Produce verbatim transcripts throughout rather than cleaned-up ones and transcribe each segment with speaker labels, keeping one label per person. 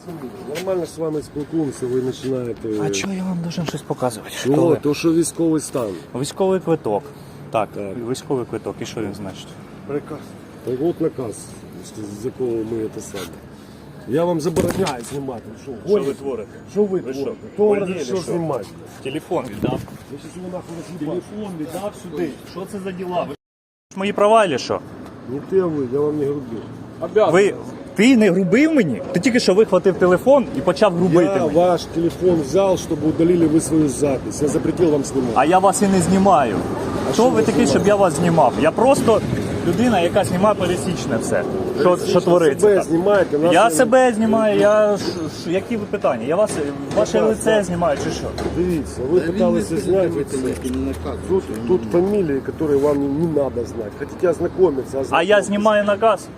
Speaker 1: Нормально з вами спілкуємося, ви починаєте...
Speaker 2: А чого я вам должен щось показувати? Що
Speaker 1: Ну,
Speaker 2: ви?
Speaker 1: то що військовий стан.
Speaker 2: Військовий квиток. Так,
Speaker 1: Так.
Speaker 2: військовий квиток. І що він значить?
Speaker 1: Приказ. Так от наказ, з якого ми це саме. Я вам забороняю знімати. Що,
Speaker 2: Що ви творите?
Speaker 1: Що ви
Speaker 2: Ви
Speaker 1: творите?
Speaker 2: що,
Speaker 1: Хто вам
Speaker 2: больні
Speaker 1: розрішив
Speaker 2: чи що?
Speaker 1: знімати?
Speaker 2: Телефон віддав.
Speaker 1: Я щас його нахуй роз'їбаю.
Speaker 2: Телефон віддав сюди. Що це за діла? Ви мої права чи що?
Speaker 1: Не ти, а ви, я вам не грубив.
Speaker 2: Ви... Ти не грубив мені? Ти тільки що вихватив телефон і почав грубити
Speaker 1: Я
Speaker 2: мені.
Speaker 1: ваш телефон взял, чтобы удалили вы свою запись. Я запретил вам снимать.
Speaker 2: А я вас і не знімаю.
Speaker 1: що
Speaker 2: Хто ви
Speaker 1: ви
Speaker 2: такий,
Speaker 1: знімаєте?
Speaker 2: щоб я вас знімав? Я просто людина, яка знімає пересічне все. Що, що твориться
Speaker 1: себе
Speaker 2: там.
Speaker 1: знімаєте, нас
Speaker 2: Я
Speaker 1: не-
Speaker 2: себе знімаю, я... ш- ш- які ви питання? Я вас, ваше
Speaker 1: Наказ,
Speaker 2: лице
Speaker 1: так.
Speaker 2: знімаю чи що?
Speaker 1: Дивіться, ви пытались снять тут, тут фамилии, которые вам не, не надо знать. Хотите ознакомиться,
Speaker 2: А
Speaker 1: ознакомьтесь.
Speaker 2: я знімаю наказ.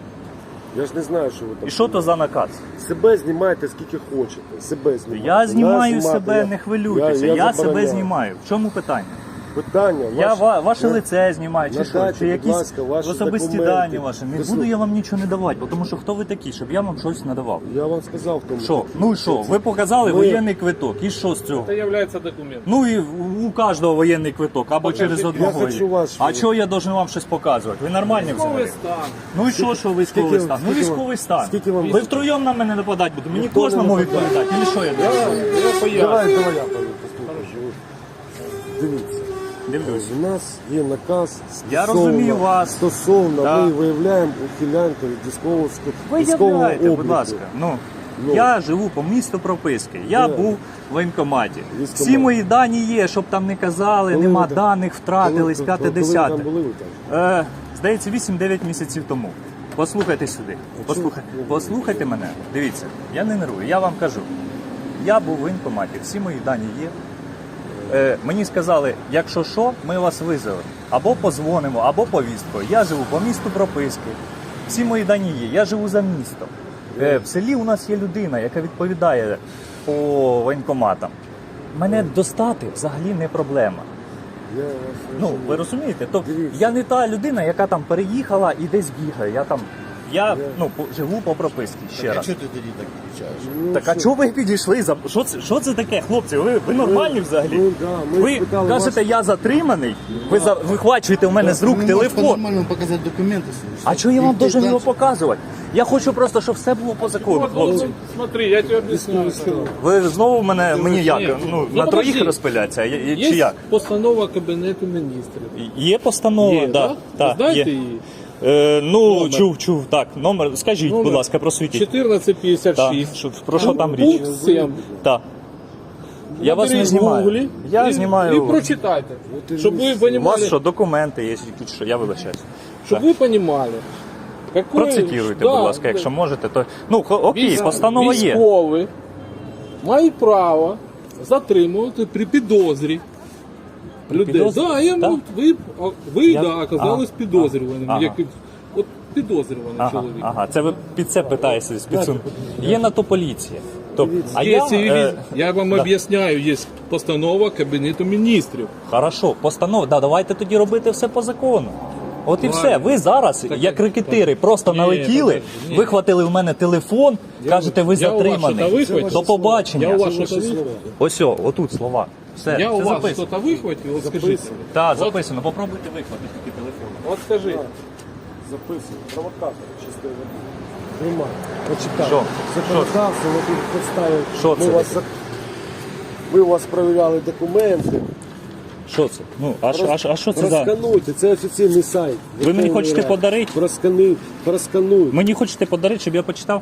Speaker 1: Я ж не знаю, що ви там.
Speaker 2: І що то за наказ?
Speaker 1: Себе знімайте скільки хочете. Себе знімайте.
Speaker 2: Я знімаю
Speaker 1: Нас
Speaker 2: себе,
Speaker 1: знімати,
Speaker 2: не
Speaker 1: я-
Speaker 2: хвилюйтеся.
Speaker 1: я-
Speaker 2: Я,
Speaker 1: я
Speaker 2: себе
Speaker 1: забороняю.
Speaker 2: знімаю. В чому питання?
Speaker 1: Питання.
Speaker 2: Я
Speaker 1: ваш-
Speaker 2: ва- ваше
Speaker 1: на-
Speaker 2: лице знімаю, чи що?
Speaker 1: надайте,
Speaker 2: Чи
Speaker 1: будь
Speaker 2: якісь
Speaker 1: ласка, ваші
Speaker 2: особисті
Speaker 1: документи.
Speaker 2: дані ваші. Не
Speaker 1: Ви
Speaker 2: буду
Speaker 1: слух-
Speaker 2: я вам нічого не давати, тому що хто ви такі, щоб я вам щось надавав?
Speaker 1: Я вам сказав в тому.
Speaker 2: Що? Ну і що? Ви показали
Speaker 1: Ми-
Speaker 2: воєнний квиток. І що з цього?
Speaker 3: Это является документом.
Speaker 2: Ну і у кожного воєнний квиток, або через одного.
Speaker 1: Я хочу
Speaker 2: є.
Speaker 1: ваш-
Speaker 2: А чого я должен вам щось показувати? Ви нормальні
Speaker 3: Військовий
Speaker 2: взагалі?
Speaker 3: стан.
Speaker 2: Ну і що, що військовий
Speaker 1: скільки-
Speaker 2: стан? Ну
Speaker 1: скільки вам-
Speaker 2: військовий стан.
Speaker 1: скільки вам-
Speaker 2: Ви втроєм на мене нападати будете. Мені
Speaker 1: Ніхто не
Speaker 2: кожному
Speaker 1: нападає.
Speaker 2: відповідати. Или що я
Speaker 1: Я,
Speaker 2: должен?
Speaker 1: я
Speaker 3: поясню.
Speaker 1: Давай, давай я повім, послухай. Дивіться.
Speaker 2: Дивлюсь.
Speaker 1: У нас є наказ
Speaker 2: Я
Speaker 1: стосовно-
Speaker 2: розумію вас.
Speaker 1: Стосовно
Speaker 2: Да.
Speaker 1: ми виявляємо ухилянку від військового військового
Speaker 2: Виявляйте,
Speaker 1: обліку.
Speaker 2: будь ласка. Ну,
Speaker 1: Ну.
Speaker 2: я живу по місту прописки. Я
Speaker 1: Де?
Speaker 2: був в воєнкоматі.
Speaker 1: Військкомат.
Speaker 2: Всі мої дані є, щоб там не казали,
Speaker 1: Коли
Speaker 2: нема
Speaker 1: ви там-
Speaker 2: даних, втратились,
Speaker 1: Коли-
Speaker 2: п'яте
Speaker 1: коли ви
Speaker 2: десяте.
Speaker 1: там були, ви там?
Speaker 2: Е, здається, вісім-дев'ять місяців тому. Послухайте сюди. Послухай, послухайте мене. Дивіться, я не нервую, я вам кажу. Я був в воєнкоматі, всі мої дані є. Е, мені сказали, якщо що, ми вас визовемо. Або позвонимо, або повісткою. Я живу по місту прописки. Всі мої дані є. Я живу за містом. Е, в селі у нас є людина, яка відповідає по воєнкоматам. Мене достати взагалі не проблема.
Speaker 1: Я вас
Speaker 2: Ну,
Speaker 1: розумію.
Speaker 2: ви розумієте? Тобто
Speaker 1: Дивіться.
Speaker 2: я не та людина, яка там переїхала і десь бігає. Я там, я ну, по- живу по прописці ще раз.
Speaker 4: Що ти тоді так кричаєш?
Speaker 1: Ну,
Speaker 2: Так а
Speaker 1: що?
Speaker 2: чого ви підійшли? За що це, що це таке, хлопці? Ви, ви нормальні взагалі?
Speaker 1: ну, да, ми
Speaker 2: ви
Speaker 1: спитали
Speaker 2: кажете,
Speaker 1: вас-
Speaker 2: я затриманий, ви за, вихвачуєте у мене з рук
Speaker 4: Ви не можете
Speaker 2: телефон.
Speaker 4: нормально показати документи свої.
Speaker 2: А чого я вам
Speaker 4: Йдіть
Speaker 2: должен
Speaker 4: далі.
Speaker 2: його показувати? Я хочу просто, щоб все було по закону,
Speaker 3: Вот,
Speaker 2: хлопці.
Speaker 3: вот, смотри, я тебе объясняю.
Speaker 2: Ви знову мене, мені як?
Speaker 3: Ні,
Speaker 2: Ну,
Speaker 3: ну,
Speaker 2: на троїх
Speaker 3: подожди.
Speaker 2: розпиляться, я- я- чи
Speaker 3: Есть
Speaker 2: як?
Speaker 3: постанова Кабінету міністрів.
Speaker 2: Є постанова,
Speaker 3: Є,
Speaker 2: да,
Speaker 3: да?
Speaker 2: да,
Speaker 3: Знаєте
Speaker 2: є.
Speaker 3: її?
Speaker 2: Е, ну,
Speaker 3: Номер.
Speaker 2: чув, чув, так, номер, скажіть, будь ласка, просвітіть.
Speaker 3: чотирнадцять п'ятдесят
Speaker 2: Так,
Speaker 3: шість.
Speaker 2: що, про що там річ?
Speaker 3: Пункт сім.
Speaker 2: Так. Я вас не
Speaker 3: Наберіть в
Speaker 2: знімаю.
Speaker 3: Гуглі
Speaker 2: Я
Speaker 3: і,
Speaker 2: знімаю.
Speaker 3: І прочитайте. Щоб ви
Speaker 2: У вас
Speaker 3: понимали,
Speaker 2: що, документи є, тут що, я вибачаюсь.
Speaker 3: щоб ви понимали. Какой,
Speaker 2: Процитируйте,
Speaker 3: да,
Speaker 2: будь ласка, якщо можете, то. Ну, хо- окей,
Speaker 3: військ-
Speaker 2: постанова є.
Speaker 3: Військові мають право затримувати при підозрі людей.
Speaker 2: підозрі?
Speaker 3: Да, я,
Speaker 2: Да?
Speaker 3: ну, ви, а, ви
Speaker 2: Я-
Speaker 3: да, оказались
Speaker 2: Ага.
Speaker 3: підозрюваним.
Speaker 2: Ага.
Speaker 3: Як, от підозрюваний
Speaker 2: Ага,
Speaker 3: чоловік.
Speaker 2: ага, це ви під це питаєтеся з підсумку. Є на то поліція. Тобто, а
Speaker 3: Є
Speaker 2: я,
Speaker 3: цивілі-
Speaker 2: е,
Speaker 3: я вам
Speaker 2: да.
Speaker 3: об'ясняю, є постанова Кабінету міністрів.
Speaker 2: Хорошо, постанова. Да, давайте тоді робити все по закону. От і все. Ви зараз, як рекетири, просто
Speaker 3: Ні,
Speaker 2: налетіли,
Speaker 3: подожди, ні.
Speaker 2: вихватили в мене телефон, кажете, ви
Speaker 3: Я у вас що-то
Speaker 2: затриманий.
Speaker 3: вихватив?
Speaker 2: До побачення.
Speaker 3: Я у вас
Speaker 1: Це
Speaker 3: що-то
Speaker 1: ваші
Speaker 3: вихватив?
Speaker 1: слова.
Speaker 2: Ось, о, отут слова. Все,
Speaker 3: Я
Speaker 2: це
Speaker 3: у вас
Speaker 2: записано.
Speaker 3: щось вихватив, от скажіть.
Speaker 2: Так, записано. Попробуйте вихватити такі телефони.
Speaker 3: От скажи.
Speaker 1: Записуємо. Провокатор чистої води. Нема. Почитайте.
Speaker 2: Що?
Speaker 1: Законодавство, ви тут представили.
Speaker 2: Що
Speaker 1: Ми
Speaker 2: це
Speaker 1: вас,
Speaker 2: таке?
Speaker 1: за- Ми у вас перевіряли документи.
Speaker 2: Що це? Ну, а, що- а, що- а що це за...
Speaker 1: Проскануйте, це офіційний сайт.
Speaker 2: Ви мені
Speaker 1: Верховної
Speaker 2: хочете
Speaker 1: Ради.
Speaker 2: подарити?
Speaker 1: Проскануй, проскануйте.
Speaker 2: Мені хочете подарити, щоб я почитав?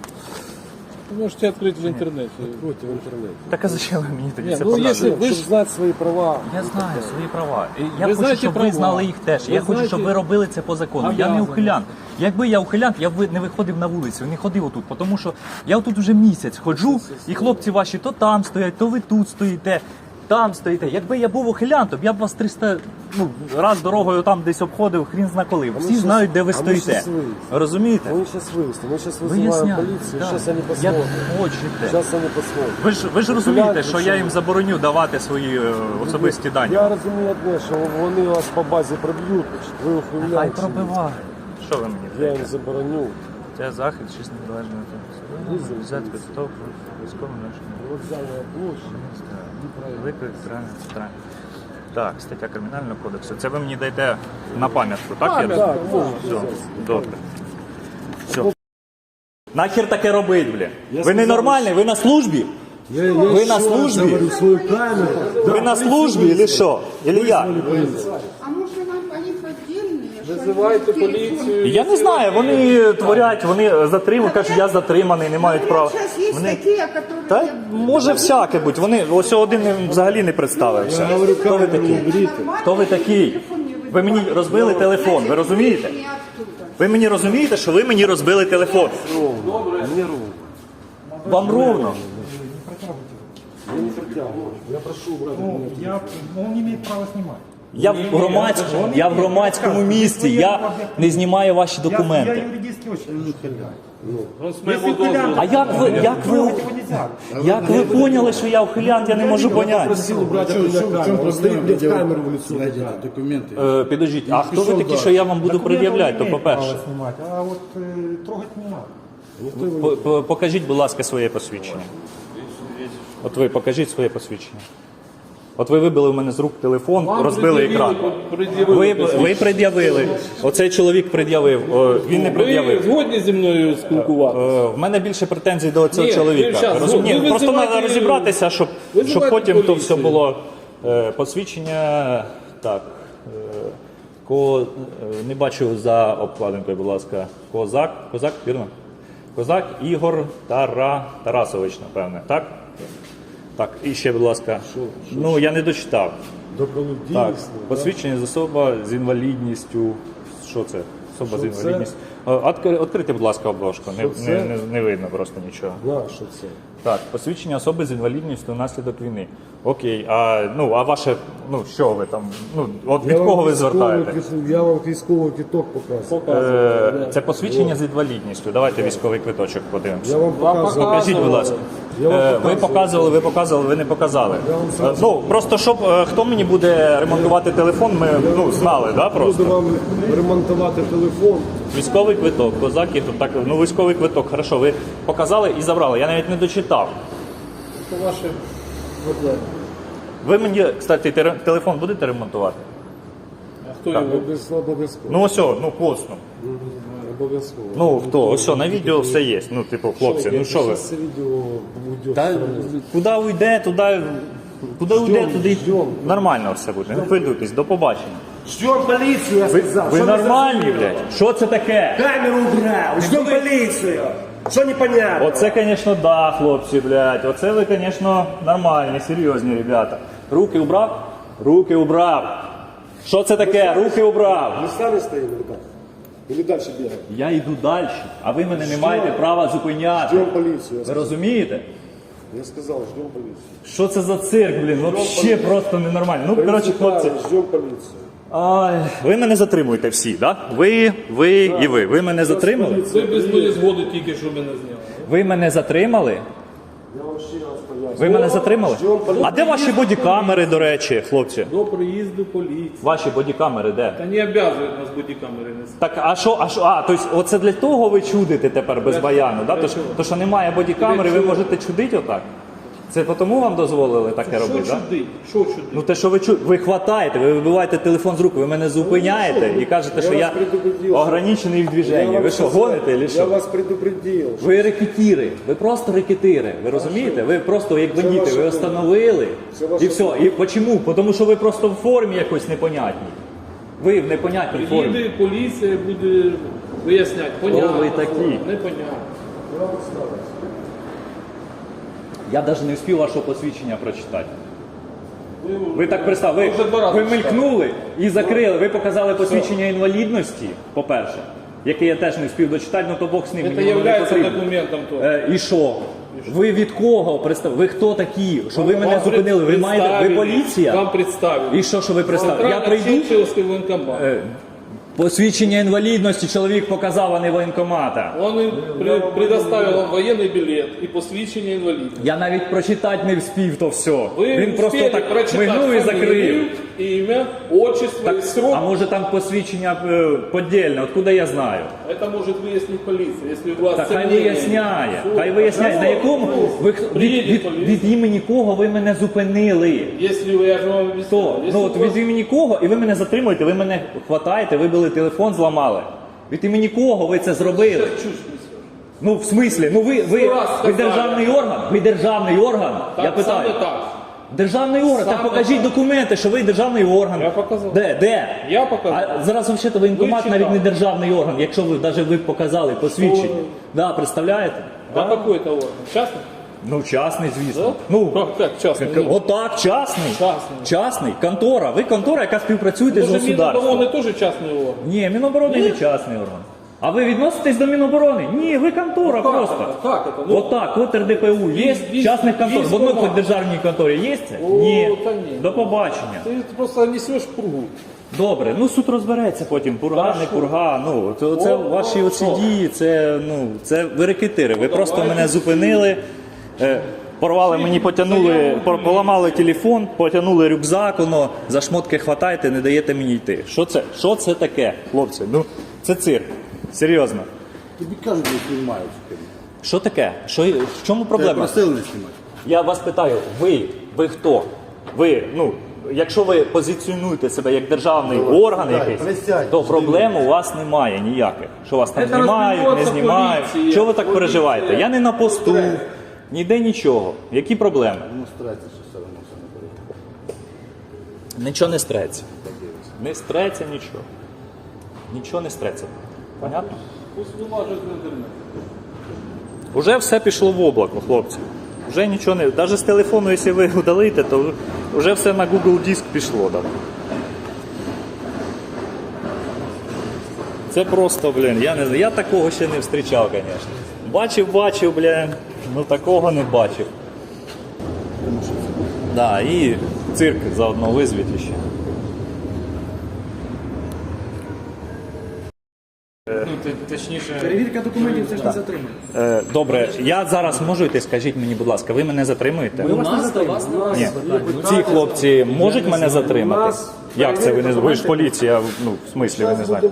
Speaker 3: Ви можете відкрити в інтернеті.
Speaker 1: Проти в інтернеті.
Speaker 2: Так а зачем ви мені тоді
Speaker 3: Ні,
Speaker 2: це
Speaker 3: ну,
Speaker 2: показуєте?
Speaker 3: якщо ви
Speaker 1: Щоб
Speaker 3: ж
Speaker 1: знати свої права.
Speaker 2: Я знаю свої права. І Я
Speaker 3: Ви
Speaker 2: хочу,
Speaker 3: знаєте
Speaker 2: щоб
Speaker 3: права.
Speaker 2: ви знали їх теж.
Speaker 3: Ви
Speaker 2: я хочу,
Speaker 3: знаєте-
Speaker 2: щоб ви робили це по закону. Я не
Speaker 3: Обязані.
Speaker 2: ухилян. Якби я ухилян, я б ви- не виходив на вулицю, не ходив отут. Тому що я тут вже місяць ходжу, і хлопці ваші то там стоять, то ви тут стоїте, там стоїте. Якби я був ухилян, то б я б вас триста ну, раз дорогою там десь обходив, хрін зна коли. Всі
Speaker 1: щас-
Speaker 2: знають, де ви
Speaker 1: а ми
Speaker 2: стоїте.
Speaker 1: щас виїздимо.
Speaker 2: Розумієте?
Speaker 1: Ми зараз вивезли, ми зараз
Speaker 2: Виясняю.
Speaker 1: визиваємо поліцію,
Speaker 2: Да.
Speaker 1: зараз вони
Speaker 2: Як
Speaker 1: посмотрять.
Speaker 2: хочете.
Speaker 1: Зараз вони посмотрять.
Speaker 2: Ви ж, ви ж розумієте, що я їм забороню давати свої е, особисті дані.
Speaker 1: Я розумію одне, що вони вас по базі проб'ють, ви
Speaker 2: Хай
Speaker 1: ухиляєте.
Speaker 2: пробивають. Що ви мені?
Speaker 1: Я їм забороню.
Speaker 2: Стаття захист, шість незалежної взяти підготовку військовим нашим.
Speaker 1: Вокзальная площадь.
Speaker 2: Виклик центральний центральний. Так, стаття Кримінального кодексу. Це ви мені даєте на пам'ятку, так? Я
Speaker 1: Так,
Speaker 2: розумію?
Speaker 1: можна.
Speaker 2: Все, добре. Все. Нахер таке робить, блін? Ви
Speaker 1: сказав,
Speaker 2: ненормальний, ви на службі?
Speaker 1: Я, я
Speaker 2: Вы
Speaker 1: еще
Speaker 2: на
Speaker 1: раз
Speaker 2: службе?
Speaker 1: говорю свою камеру.
Speaker 2: Ви на службі, или що? Или я?
Speaker 5: А может нам понять отдельные?
Speaker 3: Визивайте поліцію.
Speaker 2: Я не знаю, вони творять, вони затримують, кажуть, я затриманий, не мають права.
Speaker 5: Сейчас есть
Speaker 2: Вони...
Speaker 5: такие, которые...
Speaker 2: Та може всяке бути. Вони ось один не- взагалі не представився.
Speaker 1: Я говорю,
Speaker 2: Хто ви
Speaker 1: камеру
Speaker 2: такий?
Speaker 1: уберите.
Speaker 2: Хто ви такий? Ви мені розбили телефон, ви розумієте?
Speaker 5: Не оттуда.
Speaker 2: Ви мені розумієте, що ви мені розбили телефон?
Speaker 1: Мне ровно.
Speaker 2: Вам ровно.
Speaker 1: Я не протягиваю. Я прошу убрать.
Speaker 6: Ну, я, ну, он не имеет права снимать.
Speaker 2: Я в громадському, я в громадському місці, я не знімаю ваші
Speaker 6: Я, я
Speaker 2: документи.
Speaker 6: юридически очень не
Speaker 3: Ну, з моєго дозволу.
Speaker 2: А як ви, як ви,
Speaker 6: нельзя.
Speaker 2: як ви поняли, що я ухилянт, я не можу поняти?
Speaker 1: Просил убрать
Speaker 4: В чем, в чем
Speaker 1: камеру.
Speaker 4: проблема?
Speaker 1: Стоит, блядь,
Speaker 4: где вы
Speaker 1: камеру в лицо.
Speaker 4: найдете документы?
Speaker 2: Е, Підождіть, а хто ви такі, що я вам буду пред'являти, то по-перше?
Speaker 6: Право снимать, а вот э, трогать не надо.
Speaker 2: По- по- Покажіть, будь ласка, своє посвідчення. От ви покажіть своє посвідчення. От ви вибили в мене з рук телефон,
Speaker 3: Вам
Speaker 2: розбили екран.
Speaker 3: пред'явили
Speaker 2: Ви, ви пред'явили. Оцей чоловік пред'явив. О, він не
Speaker 3: Ви
Speaker 2: пред'явив.
Speaker 3: згодні зі мною спілкуватися?
Speaker 2: Е, В мене більше претензій до цього
Speaker 3: Ні,
Speaker 2: чоловіка.
Speaker 3: ви щас,
Speaker 2: Розумієте?
Speaker 3: ви
Speaker 2: Ні, просто
Speaker 3: визивайте-
Speaker 2: треба розібратися, щоб, щоб
Speaker 3: визивайте
Speaker 2: потім то все
Speaker 3: поліцію.
Speaker 2: було е, посвідчення. Так. е, Ко, е, не бачу за обкладинкою, будь ласка. Козак. Козак, вірно? Козак Ігор Тара, Тарасович, напевне. Так? Так, і ще, будь ласка. Ну, я не дочитав.
Speaker 1: Добролюб
Speaker 2: Так,
Speaker 1: дійсно.
Speaker 2: посвідчення з особа з інвалідністю. Що це? Особа з
Speaker 1: Що це?
Speaker 2: інвалідністю. Е, Откри- Відкрийте, будь ласка, обложку. Не,
Speaker 1: Що
Speaker 2: не,
Speaker 1: це?
Speaker 2: не, не видно просто нічого.
Speaker 1: На, що це?
Speaker 2: Так, посвідчення особи з інвалідністю внаслідок війни. Окей, а ну а ваше, ну що ви там? Ну от від
Speaker 1: Я вам
Speaker 2: кого ви
Speaker 1: військовий
Speaker 2: звертаєте?
Speaker 1: квит- Я вам військовий квиток показую.
Speaker 2: Е, це посвідчення з інвалідністю. Давайте військовий квиточок подивимося.
Speaker 1: Я вам показую.
Speaker 2: Покажіть, будь ласка.
Speaker 1: Я вам
Speaker 2: Е, Ви
Speaker 1: показую.
Speaker 2: показували, ви показували, ви не показали.
Speaker 1: вам
Speaker 2: Е, Ну просто щоб е, хто мені буде ремонтувати телефон, ми ну знали, да,
Speaker 1: Буду
Speaker 2: просто.
Speaker 1: вам ремонтувати телефон.
Speaker 2: Військовий квиток, козаки, тут так, ну військовий квиток, хорошо, ви показали і забрали. Я навіть не дочитав.
Speaker 3: Це ваше проблеми.
Speaker 2: Ви мені, кстати, тере- телефон будете ремонтувати?
Speaker 3: А хто його?
Speaker 1: Без- Обов'язково.
Speaker 2: Ну ось, о, ну косно.
Speaker 1: Обов'язково.
Speaker 2: Ну хто? Ось о, на відео все є. Ну, типу, хлопці, ну що ви?
Speaker 1: Зараз це відео уйде.
Speaker 2: Та куди уйде, туди. Куди уйде, туди нормально все буде. Не хвилюйтесь, до побачення.
Speaker 1: Ждем поліцію, я сказав.
Speaker 2: Ви
Speaker 1: Що
Speaker 2: нормальні, блядь? Що це таке?
Speaker 1: Камеру убрав. Ждем поліцію. Що непонятно?
Speaker 2: Оце, звісно, да, хлопці, блядь. Оце ви, звісно, нормальні, серйозні ребята. Руки убрав? Руки убрав. Що це таке? Руки убрав.
Speaker 1: Ми самі стоїмо, или как? Или дальше бігаємо?
Speaker 2: Я йду далі, а ви мене не маєте права зупиняти.
Speaker 1: Ждем поліцію. Я
Speaker 2: Ви
Speaker 1: сказав.
Speaker 2: розумієте?
Speaker 1: Я сказав, ждем поліцію.
Speaker 2: Що це за цирк, блін? Вообще просто ненормально. Ну, коротше, хлопці.
Speaker 1: Ждем поліцію.
Speaker 2: Ай, ви мене затримуєте всі, так? Да? Ви, ви і ви. Ви мене затримали?
Speaker 3: Ви без моєї згоди тільки що мене зняли.
Speaker 2: Ви мене затримали?
Speaker 1: Я вам ще раз поясню.
Speaker 2: Ви мене затримали?
Speaker 1: Ждем поліцію.
Speaker 2: А де ваші бодікамери, до речі, хлопці?
Speaker 3: До приїзду поліції.
Speaker 2: Ваші бодікамери де?
Speaker 3: Та не обов'язують нас бодікамери нести.
Speaker 2: Так, а що, а що, а, тобто оце для того ви чудите тепер без баяну, да? То, що- то, що немає бодікамери, ви можете чудити отак? Це тому вам дозволили таке
Speaker 3: Що
Speaker 2: робити, так? Да?
Speaker 3: чудить? Що чудить?
Speaker 2: Ну те, що ви чу... ви хватаєте, ви вибиваєте телефон з рук, ви мене зупиняєте і кажете, що
Speaker 1: Я
Speaker 2: я
Speaker 1: вас предупредив, що-
Speaker 2: ограничений в
Speaker 1: Я
Speaker 2: движенні.
Speaker 1: вам
Speaker 2: Ви що,
Speaker 1: сказав,
Speaker 2: гоните чи
Speaker 1: Я
Speaker 2: що?
Speaker 1: вас предупредил.
Speaker 2: Ви рекетіри, ви просто рекетири, ви розумієте? Ви просто як бандити,
Speaker 1: ваша
Speaker 2: ви
Speaker 1: думка.
Speaker 2: встановили.
Speaker 1: Це ваша
Speaker 2: І все. І чому? Тому що ви просто в формі якось непонятній. Ви в непонятній формі.
Speaker 3: Приїде поліція, буде виясняти. Понятно.
Speaker 2: ви такі?
Speaker 3: Непонятно.
Speaker 2: Я навіть не встиг вашого посвідчення прочитати. Ви так представили,
Speaker 3: Вже два
Speaker 2: ви,
Speaker 3: рази
Speaker 2: ви мелькнули і закрили. Ви показали посвідчення інвалідності, по-перше, яке я теж не встиг дочитати, ну то Бог з ним.
Speaker 3: Це
Speaker 2: мені воно не
Speaker 3: є
Speaker 2: потрібно.
Speaker 3: документом то.
Speaker 2: Е, і що? Ви від кого представ? Ви хто такі? Що ви мене
Speaker 3: Вам
Speaker 2: зупинили? Ви маєте, ви
Speaker 3: представили.
Speaker 2: поліція?
Speaker 3: Вам представили.
Speaker 2: І що, що ви представили? Я прийду?
Speaker 3: Черчиллівський воєнкомат.
Speaker 2: Е, Посвідчення інвалідності чоловік показав, а не воєнкомата.
Speaker 3: Он при, предоставил вам воєнний білет і посвідчення інваліда.
Speaker 2: Я навіть прочитати не вспів то все.
Speaker 3: Ви
Speaker 2: Він просто
Speaker 3: встигли
Speaker 2: так
Speaker 3: прочитати
Speaker 2: мигнув і
Speaker 3: фамілію,
Speaker 2: закрив.
Speaker 3: имя, отчество и срок.
Speaker 2: А може там посвідчення е, подільне, откуда я знаю?
Speaker 3: Это может выяснить полиция, если у вас
Speaker 2: Та хай
Speaker 3: сомнения.
Speaker 2: виясняє,
Speaker 3: Все.
Speaker 2: хай виясняє, на якому ви від,
Speaker 3: Приїде
Speaker 2: від,
Speaker 3: поліція.
Speaker 2: від імені кого ви мене зупинили?
Speaker 3: Если вы, я же вам объяснил,
Speaker 2: Хто?
Speaker 3: если
Speaker 2: Ну
Speaker 3: у
Speaker 2: от
Speaker 3: вас-
Speaker 2: від імені кого, і ви мене затримуєте, ви мене хватаєте, вибили телефон, зламали. Від імені кого ви це зробили?
Speaker 3: Чушь несешь.
Speaker 2: Ну в смислі, ну ви, ви,
Speaker 3: Сто раз
Speaker 2: ви
Speaker 3: сказали.
Speaker 2: державний орган? Ви державний орган?
Speaker 3: Так,
Speaker 2: я питаю.
Speaker 3: саме так.
Speaker 2: Державний орган, так
Speaker 3: Саме
Speaker 2: покажіть
Speaker 3: так.
Speaker 2: документи, що ви державний орган.
Speaker 3: Я показав.
Speaker 2: Де? Де?
Speaker 3: Я показав.
Speaker 2: А зараз взагалі воєнкомат
Speaker 3: Ви
Speaker 2: навіть не
Speaker 3: читали.
Speaker 2: державний орган, якщо ви навіть ви показали посвідчення.
Speaker 3: Що?
Speaker 2: Да, представляєте?
Speaker 3: А какой это орган? Частный?
Speaker 2: Ну, частний, звісно.
Speaker 3: Да?
Speaker 2: Ну,
Speaker 3: Как, как частный?
Speaker 2: К- Отак, частний.
Speaker 3: Частний.
Speaker 2: Частний. Контора. Ви контора, яка співпрацюєте з
Speaker 3: Может,
Speaker 2: государством.
Speaker 3: Минобороны тоже частный орган?
Speaker 2: Ні, Міноборони не частний орган. А ви відноситесь до Міноборони? Ні, ви контора
Speaker 3: Ну, как
Speaker 2: просто.
Speaker 3: это? Как это? Ну,
Speaker 2: Отак, от РДПУ є,
Speaker 3: Віз-
Speaker 2: частних контор. В одній
Speaker 3: військкомат.
Speaker 2: хоч державній конторі є це?
Speaker 3: О,
Speaker 2: Ні.
Speaker 3: та ні.
Speaker 2: До побачення.
Speaker 3: Ты просто несешь пургу.
Speaker 2: Добре, ну суд розбереться потім, пурга, не пурга. Ну, це, це
Speaker 3: О,
Speaker 2: ваші
Speaker 3: о,
Speaker 2: оці
Speaker 3: о.
Speaker 2: дії, це, ну, це ви рекетири. Ви просто
Speaker 3: давайте.
Speaker 2: мене зупинили, е, порвали мені, потягнули, пор- поламали телефон, потягнули рюкзак, воно, за шмотки хватаєте, не даєте мені йти. Що це, що це таке, хлопці? Ну, це цирк. Серйозно.
Speaker 4: Тобі кажуть, не знімають.
Speaker 2: Що таке? Що, в чому
Speaker 4: Тебе
Speaker 2: проблема?
Speaker 4: просили не знімати.
Speaker 2: Я вас питаю, ви, ви хто? Ви, ну, якщо ви позиціонуєте себе як державний орган
Speaker 4: присядь,
Speaker 2: якийсь,
Speaker 4: присядь.
Speaker 2: то проблем у вас немає ніяких. Що вас там
Speaker 3: Це
Speaker 2: знімають, не
Speaker 3: розбереться
Speaker 2: знімають.
Speaker 3: поліція,
Speaker 2: Чого ви так
Speaker 3: поліція.
Speaker 2: переживаєте? Я не на посту,
Speaker 4: Стрес.
Speaker 2: ніде нічого. Які проблеми?
Speaker 4: Ну, старайтеся, що все одно все не порядку.
Speaker 2: Нічого не стреться. Не стреться нічого. Нічого не стреться. Понятно?
Speaker 3: Пусть вылажет в интернет.
Speaker 2: Уже все пішло в облако, хлопці. Вже нічого не. Навіть з телефону, якщо ви удалите, то вже все на Google Диск пішло. Да. Це просто, блін, я не знаю. Я такого ще не зустрічав, звісно. Бачив, бачив, блін, ну такого не бачив. Да, і цирк заодно визвіть ще.
Speaker 6: Перевірка документів це ж не затримання.
Speaker 2: Е, добре, я зараз можу йти, скажіть мені, будь ласка, ви мене затримуєте?
Speaker 6: Ми вас не затримуємо.
Speaker 2: Ні. Ці хлопці можуть мене затримати? Як це ви не ви ж поліція? Ну, в смислі ви не знаєте?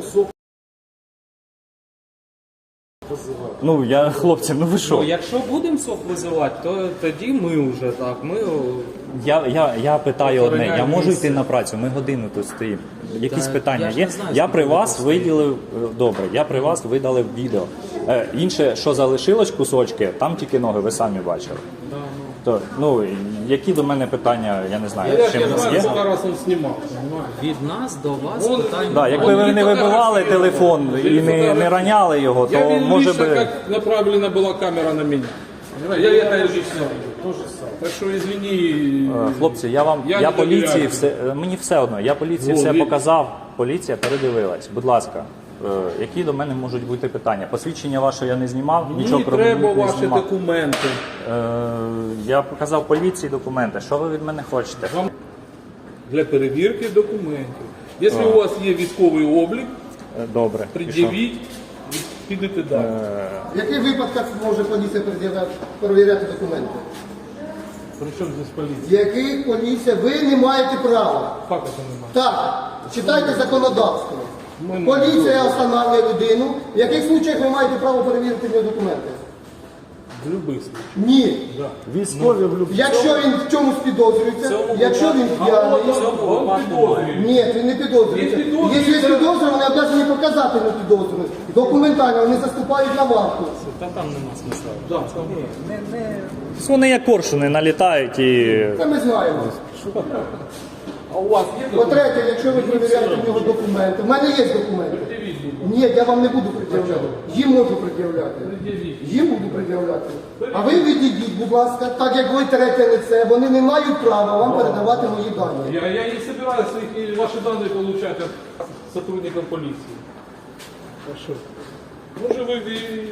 Speaker 2: Ну, я, хлопці, ну ви що?
Speaker 7: Ну, якщо будемо СОП визивати, то тоді ми вже так. Ми о,
Speaker 2: Я, я, я питаю одне, я
Speaker 7: Охороняємо
Speaker 2: можу
Speaker 7: місце.
Speaker 2: йти на працю, ми годину тут стоїмо. Якісь
Speaker 7: Та
Speaker 2: питання
Speaker 7: я ж
Speaker 2: є?
Speaker 7: не знаю,
Speaker 2: Я
Speaker 7: скільки
Speaker 2: при
Speaker 7: ви
Speaker 2: вас
Speaker 7: тут
Speaker 2: виділив, е, добре, я при вас видалив відео. Е, інше, що залишилось кусочки, там тільки ноги, ви самі бачили. То, ну, які до мене питання, я не знаю,
Speaker 3: Я,
Speaker 2: чим
Speaker 3: я
Speaker 2: у вас
Speaker 3: знаю,
Speaker 2: є?
Speaker 3: сколько раз он снимал, понимаешь?
Speaker 7: від нас до вас
Speaker 3: Вон,
Speaker 7: питань.
Speaker 2: Да, якби ви не вибивали телефон і не, не раняли його,
Speaker 3: Я
Speaker 2: то
Speaker 3: видел
Speaker 2: може
Speaker 3: лично,
Speaker 2: би.
Speaker 3: как направлена была камера на меня. Понимаешь? Я это лично видел. Так что извини.
Speaker 2: Е, Хлопці, я вам
Speaker 3: Я
Speaker 2: я,
Speaker 3: не
Speaker 2: поліції
Speaker 3: довіряю.
Speaker 2: все е, мені все одно. Я поліції
Speaker 3: Ну,
Speaker 2: все
Speaker 3: ви-
Speaker 2: показав. Поліція передивилась. Будь ласка, е, які до мене можуть бути питання? Посвідчення ваше я не знімав, нічого
Speaker 3: Мені
Speaker 2: про
Speaker 3: треба
Speaker 2: мене не
Speaker 3: ваші
Speaker 2: знімав.
Speaker 3: документи.
Speaker 2: Е, я показав поліції документи. Що ви від мене хочете?
Speaker 3: Вам для перевірки документів. Якщо у вас є військовий облік,
Speaker 2: Е, Добре. і що?
Speaker 3: пред'явіть, і підете далі.
Speaker 8: В яких випадках може поліція перевіряти, перевіряти документи?
Speaker 3: Причому здесь
Speaker 8: В
Speaker 3: поліція?
Speaker 8: яких поліція ви не маєте права?
Speaker 3: Як це немає?
Speaker 8: Так, читайте законодавство.
Speaker 3: Ми не
Speaker 8: Поліція встановлює людину. В яких случаях ви маєте право перевірити його документи?
Speaker 3: В будь-яких случаях.
Speaker 8: Ні.
Speaker 1: Військові в люб...
Speaker 8: Якщо він в чомусь підозрюється, якщо він п'яний. Ні, він не підозрюється.
Speaker 3: Він підозрюється.
Speaker 8: Якщо є підозра, вони обов'язані показати на підозру. Документально вони заступають на варту.
Speaker 7: Та там нема смисла.
Speaker 3: Да, там.
Speaker 2: Вони як коршуни налітають і.
Speaker 8: Це ми знаємо.
Speaker 3: А у вас є документи?
Speaker 8: По-третє, якщо ви перевіряєте в нього документи, в мене є документи. Ні, я вам не буду пред'являти. Їм можу пред'являти. Їм буду пред'являти. А ви відійдіть, будь ласка, так як ви третє лице, вони не мають права вам передавати мої дані.
Speaker 3: Я, я не собираюсь их, ваши данные получать от сотрудников полиции. Хорошо. Може ви... і-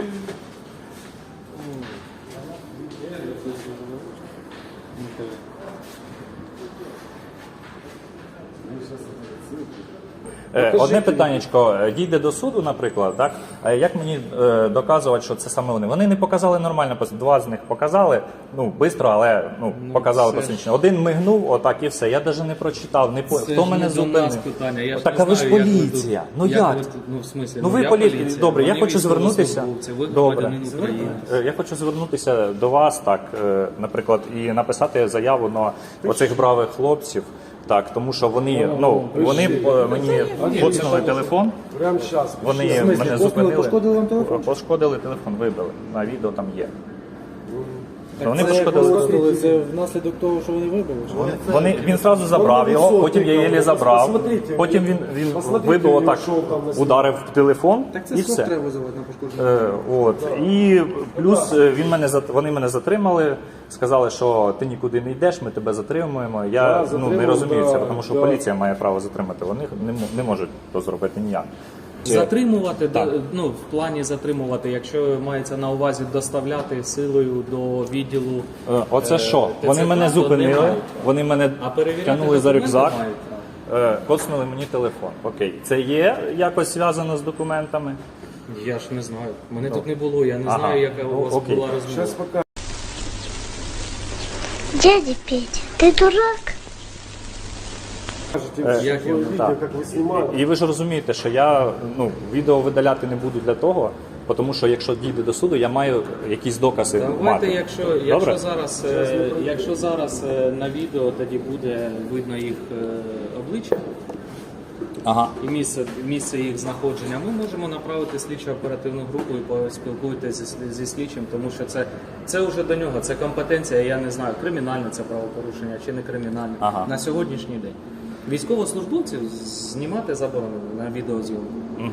Speaker 2: Е, Одне питаннячко, е, дійде до суду, наприклад, так? Е, Як мені е, доказувати, що це саме вони? Вони не показали нормально, пос- два з них показали, ну, швидко, але ну, показали
Speaker 7: це ж-
Speaker 2: посвідчення. Один мигнув, отак і все. Я навіть не прочитав, не по...
Speaker 7: Це
Speaker 2: хто
Speaker 7: ж
Speaker 2: мене
Speaker 7: не до нас
Speaker 2: зупинив.
Speaker 7: питання. Я ж
Speaker 2: Так,
Speaker 7: не
Speaker 2: а ви ж
Speaker 7: знаю, як ви
Speaker 2: поліція.
Speaker 7: тут-
Speaker 2: Ну як?
Speaker 7: ви тут- ну, в смислі,
Speaker 2: Ну ви
Speaker 7: я
Speaker 2: поліція.
Speaker 7: поліція.
Speaker 2: Добре, я
Speaker 7: Вони
Speaker 2: хочу звернутися.
Speaker 7: військовослужбовці, ви
Speaker 2: Добре.
Speaker 7: громадянин України.
Speaker 2: Е, Я хочу звернутися до вас, так, е, наприклад, і написати заяву на оцих бравих хлопців. Так, тому що вони, ну, вони е, мені поцнули телефон,
Speaker 1: Прямо сейчас.
Speaker 2: вони мене зупинили.
Speaker 6: пошкодили вам телефон?
Speaker 2: Пошкодили телефон, вибили. На відео там є.
Speaker 6: Так
Speaker 2: Вони
Speaker 6: це
Speaker 2: пошкодили.
Speaker 6: пошкодили, це внаслідок того, що вони вибили? чи?
Speaker 2: Вони, він зразу забрав його, потім я її забрав,
Speaker 1: Посмотрите,
Speaker 2: потім він, він
Speaker 1: посмотрите,
Speaker 2: вибив отак,
Speaker 1: що там на себе.
Speaker 2: ударив в телефон
Speaker 6: Так це
Speaker 2: і
Speaker 6: сок
Speaker 2: все.
Speaker 6: треба визивати на пошкодження.
Speaker 2: Е, от. І плюс е, він мене зат- вони мене затримали, сказали, що ти нікуди не йдеш, ми тебе затримуємо. Я
Speaker 1: Да,
Speaker 2: ну, не
Speaker 1: затримали,
Speaker 2: розумію це,
Speaker 1: да,
Speaker 2: тому що
Speaker 1: да.
Speaker 2: поліція має право затримати. Вони не, м- не можуть то зробити ніяк.
Speaker 7: Затримувати,
Speaker 2: Так.
Speaker 7: да, ну, в плані затримувати, якщо мається на увазі доставляти силою до відділу.
Speaker 2: Е, Оце
Speaker 7: е,
Speaker 2: що?
Speaker 7: ТЦК,
Speaker 2: Вони мене
Speaker 7: то
Speaker 2: зупинили,
Speaker 7: немає.
Speaker 2: вони мене
Speaker 7: А перевіряти
Speaker 2: тягнули за
Speaker 7: документи
Speaker 2: рюкзак,
Speaker 7: мають право.
Speaker 2: е, коцнули мені телефон. Окей, це є якось зв'язано з документами?
Speaker 7: Я ж не знаю. Мене тут не було, я не
Speaker 2: Ага.
Speaker 7: знаю, яка у
Speaker 2: Ну,
Speaker 7: вас
Speaker 2: окей.
Speaker 7: була розмова.
Speaker 1: Сейчас пока.
Speaker 9: Дядя Петя, ты дурак?
Speaker 1: Покажете
Speaker 7: як я-
Speaker 1: видео,
Speaker 2: так.
Speaker 1: как вы снимали.
Speaker 2: І ви ж розумієте, що я ну, відео видаляти не буду для того, тому що якщо дійде до суду, я маю якісь докази
Speaker 7: Давайте,
Speaker 2: мати.
Speaker 7: якщо,
Speaker 2: Добре?
Speaker 7: якщо зараз, е, якщо зараз е, на відео тоді буде видно їх е, обличчя
Speaker 2: Ага.
Speaker 7: і місце, місце їх знаходження, ми можемо направити слідчо оперативну групу і поспілкуйтеся зі, зі слідчим, тому що це, це вже до нього, це компетенція, я не знаю, кримінальне це правопорушення чи не кримінальне
Speaker 2: Ага.
Speaker 7: на сьогоднішній день. Військовослужбовців знімати заборонено на відеозйомку.
Speaker 2: Угу.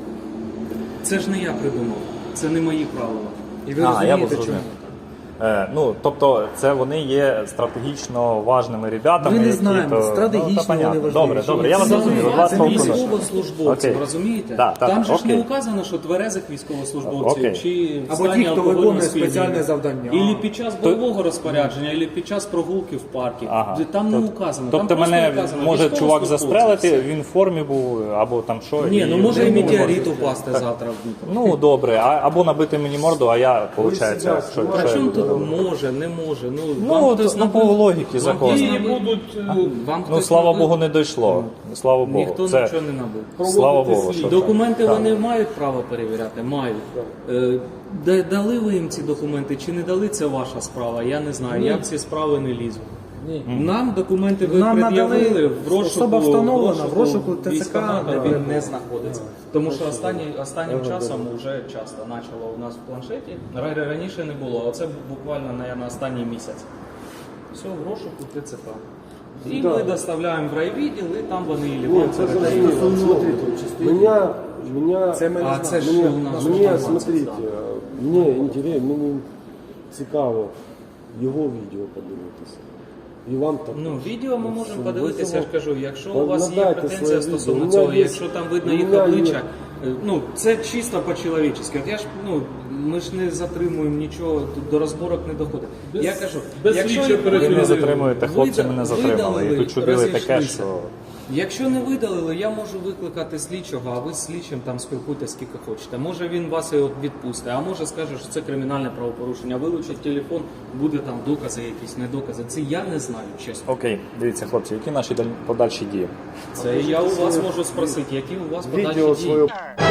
Speaker 7: Це ж не я придумав, це не мої правила. І ви
Speaker 2: А, я
Speaker 7: розумієте, чому?
Speaker 2: зрозумів. Е, ну, тобто, це вони є стратегічно важними ребятами.
Speaker 6: Ми не
Speaker 2: які,
Speaker 6: знаємо,
Speaker 2: то-
Speaker 6: стратегічно
Speaker 2: ну, та понятно.
Speaker 6: вони важливі.
Speaker 2: Добре, добре, я вас
Speaker 7: Це
Speaker 2: зрозумів.
Speaker 7: не
Speaker 2: Вас
Speaker 7: це
Speaker 2: толку-
Speaker 7: військовослужбовців,
Speaker 2: Окей.
Speaker 7: розумієте?
Speaker 2: Да, так,
Speaker 7: Там же ж
Speaker 2: окей.
Speaker 7: не указано, що тверезих військовослужбовців
Speaker 2: Окей.
Speaker 7: чи в
Speaker 6: Або
Speaker 7: стані
Speaker 6: ті, хто
Speaker 7: алкогольного
Speaker 6: виконує
Speaker 7: сп'яніння.
Speaker 6: спеціальне завдання.
Speaker 7: Ілі під час бойового розпорядження, ілі під час прогулки в парку.
Speaker 2: Ага.
Speaker 7: Там не
Speaker 2: Тоб-
Speaker 7: указано.
Speaker 2: Тобто
Speaker 7: там просто
Speaker 2: мене
Speaker 7: указано,
Speaker 2: може чувак
Speaker 7: військовослужбовці,
Speaker 2: застрелити,
Speaker 7: все.
Speaker 2: він в формі був, або там що.
Speaker 7: Ні, ну може і
Speaker 2: ну,
Speaker 7: метеорит упасти завтра в Дніпро.
Speaker 2: Ну, добре, а, або набити мені морду, а я, виходить,
Speaker 1: себе
Speaker 2: що,
Speaker 7: А
Speaker 2: що я
Speaker 7: чому
Speaker 2: буду
Speaker 7: тут
Speaker 2: робити?
Speaker 7: може, не може? Ну,
Speaker 2: Ну,
Speaker 7: вам
Speaker 2: от,
Speaker 7: хтось
Speaker 2: ну,
Speaker 7: набив-
Speaker 2: по логіки
Speaker 7: вам
Speaker 2: закону.
Speaker 7: хтось
Speaker 3: І
Speaker 7: набив-
Speaker 3: будуть е,
Speaker 7: Вам
Speaker 2: Ну,
Speaker 7: хтось
Speaker 2: слава
Speaker 7: набив?
Speaker 2: Богу, не дійшло. Слава Богу.
Speaker 7: Ніхто
Speaker 2: Це,
Speaker 7: нічого не набив.
Speaker 2: слава Богу, що
Speaker 7: Документи
Speaker 2: так.
Speaker 7: вони мають право перевіряти? Мають. Е, да- Дали ви їм ці документи чи не дали, це ваша справа. Я не знаю. Я в ці справи не лізу. Нам документи ви
Speaker 6: Нам
Speaker 7: пред'явили
Speaker 6: надали,
Speaker 7: в розшуку,
Speaker 6: особа встановлена, в розшуку ТЦК,
Speaker 7: військкомата,
Speaker 6: да.
Speaker 7: він не знаходиться. Тому що останні, останнім часом вже часто почало у нас в планшеті. Ра- Раніше не було, а це буквально, мабуть, останній місяць. Все, в розшуку ТЦК. І ми доставляємо в райвідділ, і там вони і
Speaker 1: Нет, это зрозуміло. Смотрите, меня, меня,
Speaker 6: Це ми не
Speaker 7: А
Speaker 6: знаємо.
Speaker 7: це ж
Speaker 1: мне,
Speaker 7: у нас
Speaker 1: мне,
Speaker 7: інформація
Speaker 1: смотрите,
Speaker 7: стала.
Speaker 1: мне інтересно, мені цікаво його відео подивитися. І вам так.
Speaker 7: Ну, відео ми можемо
Speaker 1: Ви
Speaker 7: подивитися, я ж
Speaker 1: цього-
Speaker 7: кажу, якщо
Speaker 1: Та
Speaker 7: у вас є
Speaker 1: надайте
Speaker 7: претензія
Speaker 1: своє
Speaker 7: стосовно
Speaker 1: відео. У
Speaker 7: цього,
Speaker 1: мене є-
Speaker 7: якщо там видно
Speaker 1: у
Speaker 7: їх
Speaker 1: мене є-
Speaker 7: обличчя, е, ну це чисто по-чоловічески. От я ж ну ми ж не затримуємо нічого, тут до розборок не доходить.
Speaker 3: Без-
Speaker 7: я кажу,
Speaker 3: без
Speaker 7: якщо
Speaker 3: слідчої
Speaker 7: їх
Speaker 2: Ви
Speaker 3: оперативної
Speaker 2: не
Speaker 7: видалили,
Speaker 2: затримуєте, хлопці
Speaker 7: вида-
Speaker 2: мене затримали. І
Speaker 7: видалили,
Speaker 2: тут чудили таке,
Speaker 7: розійшлися.
Speaker 2: що...
Speaker 7: Якщо не видалили, я можу викликати слідчого, а ви з слідчим там спілкуйтесь скільки хочете. Може він вас і от відпустить, а може скаже, що це кримінальне правопорушення. Вилучить телефон, буде там докази, якісь недокази. Це я не знаю, чесно.
Speaker 2: Окей, дивіться, хлопці, які наші даль- подальші дії?
Speaker 7: Це я у вас можу спросити, які у вас
Speaker 1: Відео
Speaker 7: подальші
Speaker 1: своє.
Speaker 7: дії.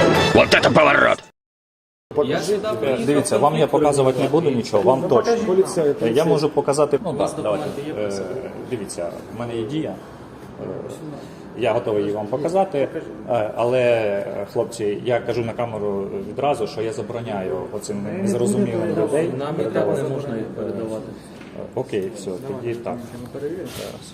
Speaker 7: Я сюди приїхав.
Speaker 2: Дивіться, вам я
Speaker 7: конфлікт
Speaker 2: показувати не буду нічого, вам точно.
Speaker 1: Поліцей,
Speaker 2: Е, Я можу показати. Ну
Speaker 7: вас
Speaker 2: так, давайте.
Speaker 7: документи є при
Speaker 2: Е,
Speaker 7: собі?
Speaker 2: Дивіться, в мене є дія. Е, Я готовий її вам показати, Е, але е, хлопці, я кажу на камеру відразу, що я забороняю оцим незрозумілим людей.
Speaker 7: Нам і так не можна їх передавати.
Speaker 2: Е, Окей, все, тоді так. Зараз.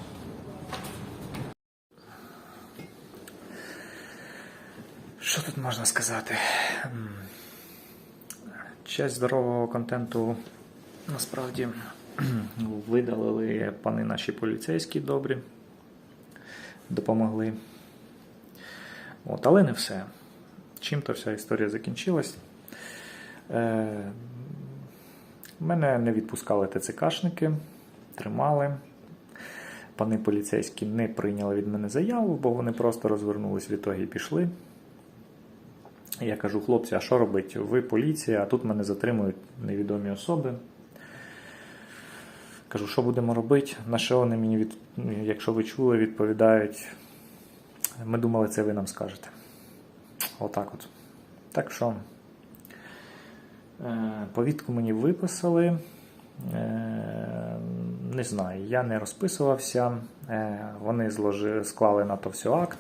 Speaker 2: Що тут можна сказати? М, Часть здорового контенту насправді видалили пани наші поліцейські добрі, допомогли. От, але не все. Чим-то вся історія закінчилась. Е, мене не відпускали ТЦКшники, тримали. пани поліцейські не прийняли від мене заяву, бо вони просто розвернулись в ітогі і пішли. Я кажу, хлопці, а що робити? Ви поліція, а тут мене затримують невідомі особи. Кажу, що будемо робити? На що вони мені, від... якщо ви чули, відповідають, ми думали, це ви нам скажете. Отак от. Так що, повістку мені виписали. Не знаю, я не розписувався. Вони зложили, склали на то все акт.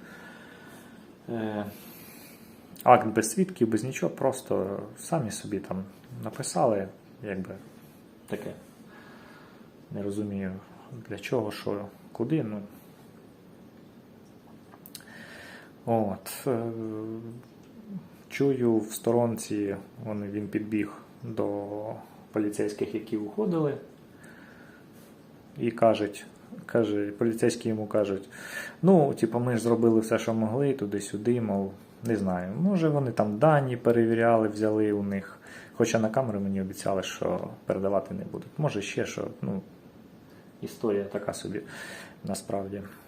Speaker 2: Акт без свідків, без нічого, просто самі собі там написали, якби таке. Не розумію, для чого, що, куди. Ну. От. Чую в сторонці, він, він підбіг до поліцейських, які уходили, і кажуть, каже, поліцейські йому кажуть, ну, типу, ми ж зробили все, що могли, туди-сюди, мов, не знаю, може вони там дані перевіряли, взяли у них, хоча на камеру мені обіцяли, що передавати не будуть. Може ще що, ну, історія така собі, насправді.